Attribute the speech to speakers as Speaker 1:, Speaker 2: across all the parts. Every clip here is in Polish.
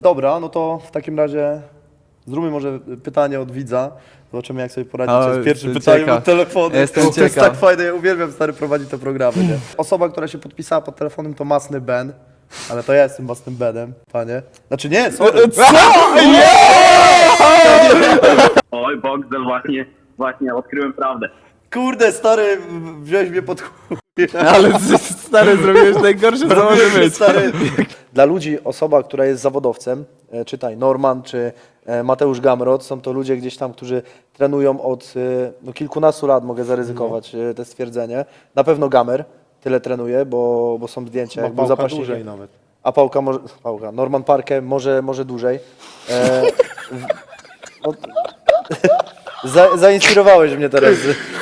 Speaker 1: Dobra, no to w takim razie zróbmy może pytanie od widza. Zobaczymy, jak sobie poradzicie z pierwszym pytaniem od telefonu.
Speaker 2: Jestem
Speaker 1: To jest
Speaker 2: ciekaw.
Speaker 1: tak fajne, ja uwielbiam stary prowadzić te programy, nie? Osoba, która się podpisała pod telefonem to Masny Ben. Ale to ja jestem Masnym Benem, panie. Znaczy nie, sorry.
Speaker 3: Oj, Boxdel, właśnie odkryłem prawdę.
Speaker 1: Kurde, stary, wziąłeś mnie pod chuj.
Speaker 2: Ale stary, zrobiłeś najgorsze, co może być.
Speaker 1: Stary. Dla ludzi, osoba, która jest zawodowcem, czytaj Norman czy Mateusz Gamrot, są to ludzie gdzieś tam, którzy trenują od no, kilkunastu lat, mogę zaryzykować te stwierdzenie. Na pewno Gamer tyle trenuje, bo są zdjęcia, jak był zapaśnikiem.
Speaker 4: nawet.
Speaker 1: A Pałka, Norman Parke może dłużej. No, zainspirowałeś mnie teraz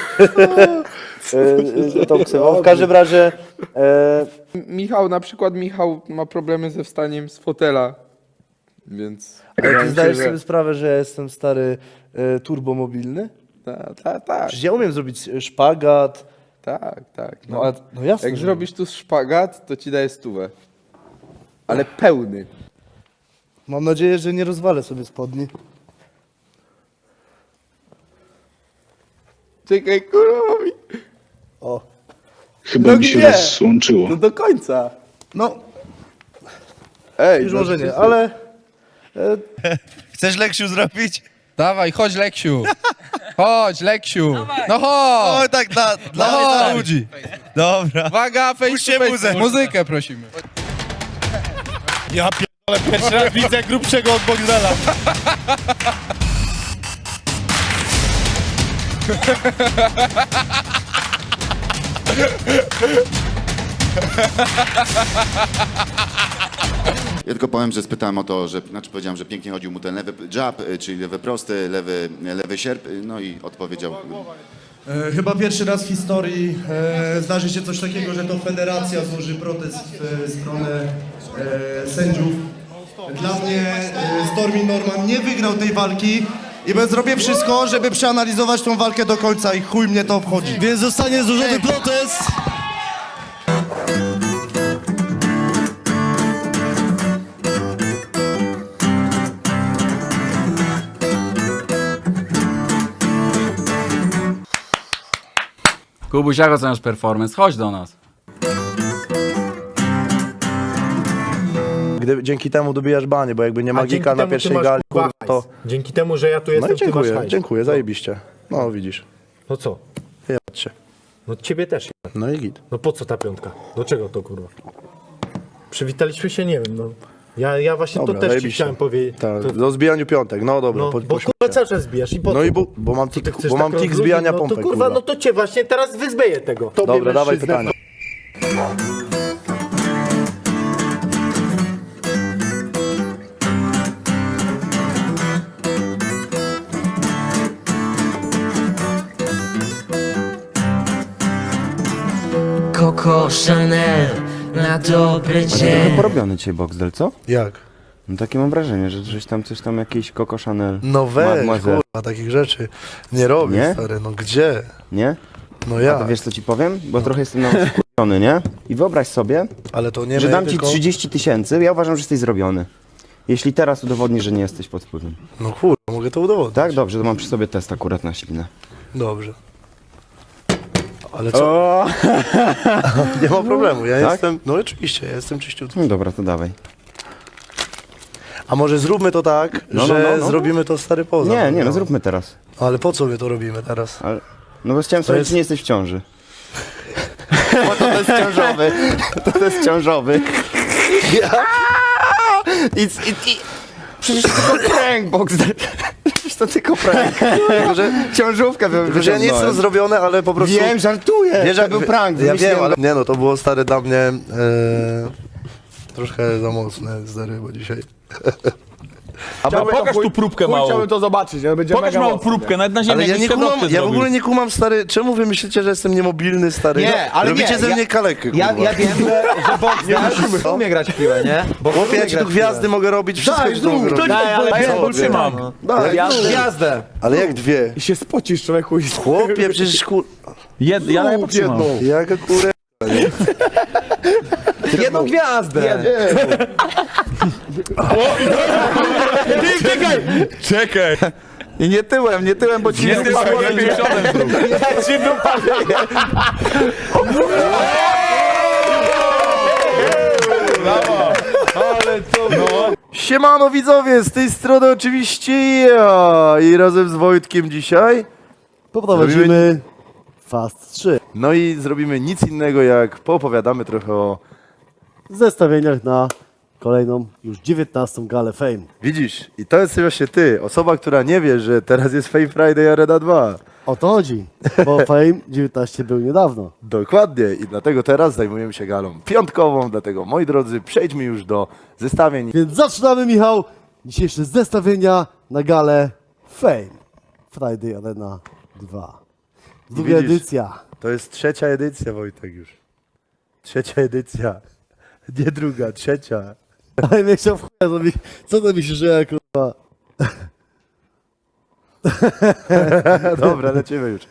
Speaker 1: tą ksywą. W każdym razie
Speaker 5: Michał, na przykład Michał ma problemy ze wstaniem z fotela, więc...
Speaker 1: ale ty zdajesz sobie sprawę, że jestem stary turbomobilny?
Speaker 5: Tak,
Speaker 1: Przecież ja umiem zrobić szpagat.
Speaker 5: tak.
Speaker 1: No, ale, no jasne.
Speaker 5: Jak
Speaker 1: że-
Speaker 5: zrobisz tu szpagat, to ci daję 100. Ale pełny.
Speaker 1: Mam nadzieję, że nie rozwalę sobie spodni.
Speaker 5: Czekaj, kurwa mi...
Speaker 1: O.
Speaker 6: Chyba mi się rozłączyło.
Speaker 2: No do końca.
Speaker 1: No,
Speaker 5: Ej,
Speaker 1: już może nie, ale
Speaker 4: Chcesz Leksiu zrobić?
Speaker 7: Dawaj, chodź Leksiu. Chodź Leksiu. No chodź.
Speaker 4: O, tak dla ludzi. Dobra.
Speaker 7: Uwaga, face
Speaker 4: Puśćcie
Speaker 7: to face.
Speaker 4: muzę.
Speaker 7: Muzykę prosimy.
Speaker 4: Ja pierdolę, pierwszy raz widzę grubszego od Boxdela.
Speaker 8: Ja tylko powiem, że spytałem o to, powiedziałem, że pięknie chodził mu ten lewy jab, czyli lewy prosty, lewy sierp, no i odpowiedział.
Speaker 9: Chyba pierwszy raz w historii zdarzy się coś takiego, że to federacja złoży protest w stronę sędziów. Dla mnie Stormy Norman nie wygrał tej walki i zrobię wszystko, żeby przeanalizować tą walkę do końca i chuj mnie to obchodzi.
Speaker 4: Więc zostanie złożony protest.
Speaker 2: Kubuś, jak oceniasz performance? Chodź do nas.
Speaker 1: dzięki temu dobijasz banie, bo jakby nie
Speaker 10: A
Speaker 1: magika
Speaker 10: dzięki
Speaker 1: na
Speaker 10: temu ty
Speaker 1: pierwszej
Speaker 10: masz,
Speaker 1: gali,
Speaker 10: kurwa,
Speaker 1: kurwa, to...
Speaker 10: Dzięki temu, że ja tu
Speaker 1: No
Speaker 10: jestem,
Speaker 1: i dziękuję,
Speaker 10: ty masz hajs.
Speaker 1: dziękuję, zajebiście. No widzisz,
Speaker 10: No co?
Speaker 1: jebać się.
Speaker 10: No ciebie też.
Speaker 1: No i git.
Speaker 10: No po co ta piątka? Do czego to, kurwa? Przywitaliśmy się, nie wiem, no. Ja właśnie
Speaker 1: Dobra,
Speaker 10: to też ci
Speaker 1: zajebiście.
Speaker 10: chciałem powiedzieć.
Speaker 1: Tak,
Speaker 10: To,
Speaker 1: do zbijaniu piątek, no dobra,
Speaker 10: no, bo
Speaker 1: pośmiej
Speaker 10: kurwa
Speaker 1: się.
Speaker 10: cały czas zbijasz i po
Speaker 1: No
Speaker 10: co?
Speaker 1: i bo mam
Speaker 10: Ty
Speaker 1: tik,
Speaker 10: chcesz
Speaker 1: bo mam
Speaker 10: tak
Speaker 1: tik
Speaker 10: rozluźnić?
Speaker 1: zbijania
Speaker 10: no to
Speaker 1: pompek,
Speaker 10: kurwa, no to cię właśnie teraz wyzbeję tego. Tobie
Speaker 1: Dobra, dawaj
Speaker 10: mężczyznę,
Speaker 1: pytanie.
Speaker 11: Coco Chanel na dobry dzień.
Speaker 12: Porobiony dzisiaj Boxdel, co?
Speaker 1: Jak?
Speaker 12: No takie mam wrażenie, że żeś tam coś tam jakiś Coco Chanel.
Speaker 1: No weź,
Speaker 12: Mademoiselle.
Speaker 1: kurwa, takich rzeczy nie robię,
Speaker 12: Nie?
Speaker 1: stary, no gdzie?
Speaker 12: Nie?
Speaker 1: No
Speaker 12: A
Speaker 1: ja,
Speaker 12: to wiesz co ci powiem? Bo trochę jestem na wkurzony, nie? I wyobraź sobie,
Speaker 1: ale to nie
Speaker 12: że
Speaker 1: my,
Speaker 12: dam ci
Speaker 1: tylko...
Speaker 12: 30 000, ja uważam, że jesteś zrobiony. Jeśli teraz udowodnisz, że nie jesteś pod wpływem.
Speaker 1: No kurwa, mogę to udowodnić.
Speaker 12: Tak? Dobrze, to mam przy sobie test akurat na ślinę.
Speaker 1: Dobrze. Ale co? Nie ma problemu, ja
Speaker 12: Tak?
Speaker 1: jestem, no oczywiście, ja jestem czyściutki.
Speaker 12: No dobra, to dawaj.
Speaker 1: A może zróbmy to tak,
Speaker 12: No,
Speaker 1: że
Speaker 12: no.
Speaker 1: zrobimy to stary poza.
Speaker 12: Nie, no zróbmy teraz.
Speaker 1: Ale po co my to robimy teraz?
Speaker 12: No bo chciałem sprawdzić,
Speaker 1: jest-
Speaker 12: czy nie jesteś w ciąży. Bo to jest ciążowy. To jest ciążowy. Przecież to tylko prank, Boxdel. Przecież to tylko prank. Tylko, że ciążówkę
Speaker 1: Tylko, że ja nie jestem zrobiony, ale po prostu...
Speaker 12: Wiem, żartuję.
Speaker 1: Wiesz,
Speaker 12: To był prank.
Speaker 1: Ja wiem,
Speaker 12: wymyśliłem
Speaker 1: ale... Nie no, to było stary dla mnie troszkę za mocne, stary, bo dzisiaj...
Speaker 7: Pokaż tu próbkę małą.
Speaker 5: Chciałbym to zobaczyć, ale będzie
Speaker 7: Pokaż
Speaker 5: mega
Speaker 7: małą
Speaker 5: mocne.
Speaker 7: próbkę, nawet na ziemi
Speaker 1: Ale ja
Speaker 7: jakieś
Speaker 1: nie kumam,
Speaker 7: świadowcy
Speaker 1: ja w
Speaker 7: zrobił.
Speaker 1: ogóle nie kumam, stary, czemu wy myślicie, że jestem niemobilny, stary?
Speaker 10: Nie, ale
Speaker 1: Robicie
Speaker 10: nie,
Speaker 1: ze
Speaker 10: ja-
Speaker 1: mnie kalekę, kurwa.
Speaker 10: Ja wiem, że Boxdel umie grać w piłę, nie? Bo
Speaker 1: Chłopie, ja ci tu gwiazdy mogę robić, wszystko ci tu mogę robić.
Speaker 10: Daj, ale
Speaker 1: Co,
Speaker 7: Trzymam.
Speaker 1: Daj,
Speaker 10: gwiazdę.
Speaker 1: ale jak dwie?
Speaker 5: I się spocisz, człowieku.
Speaker 1: Chłopie, przecież
Speaker 7: Ja podtrzymam.
Speaker 1: Jaka kurę...
Speaker 2: Jedną gwiazdę!
Speaker 4: Czekaj.
Speaker 2: I nie tyłem, bo ci nie spadło lepiej.
Speaker 1: Siemano widzowie, z tej strony oczywiście ja i razem z Wojtkiem dzisiaj
Speaker 9: Poprowadzimy Fast 3.
Speaker 1: no i zrobimy nic innego jak poopowiadamy trochę o...
Speaker 9: Zestawieniach na kolejną, już 19. galę Fame.
Speaker 1: Widzisz, i to jest właśnie ty, osoba, która nie wie, że teraz jest Fame Friday Arena 2.
Speaker 9: O to chodzi, bo Fame 19 był niedawno.
Speaker 1: Dokładnie i dlatego teraz zajmujemy się galą piątkową, dlatego moi drodzy, przejdźmy już do zestawień.
Speaker 9: Więc zaczynamy, Michał, dzisiejsze zestawienia na galę Fame Friday Arena 2. Druga
Speaker 1: Widzisz?
Speaker 9: edycja.
Speaker 1: To jest trzecia edycja, Wojtek, już. Trzecia edycja. Nie druga, trzecia.
Speaker 9: Ale mnie chciał w chuja zrobić. Co to myślisz, że ja kurwa...
Speaker 1: Dobra, lecimy już.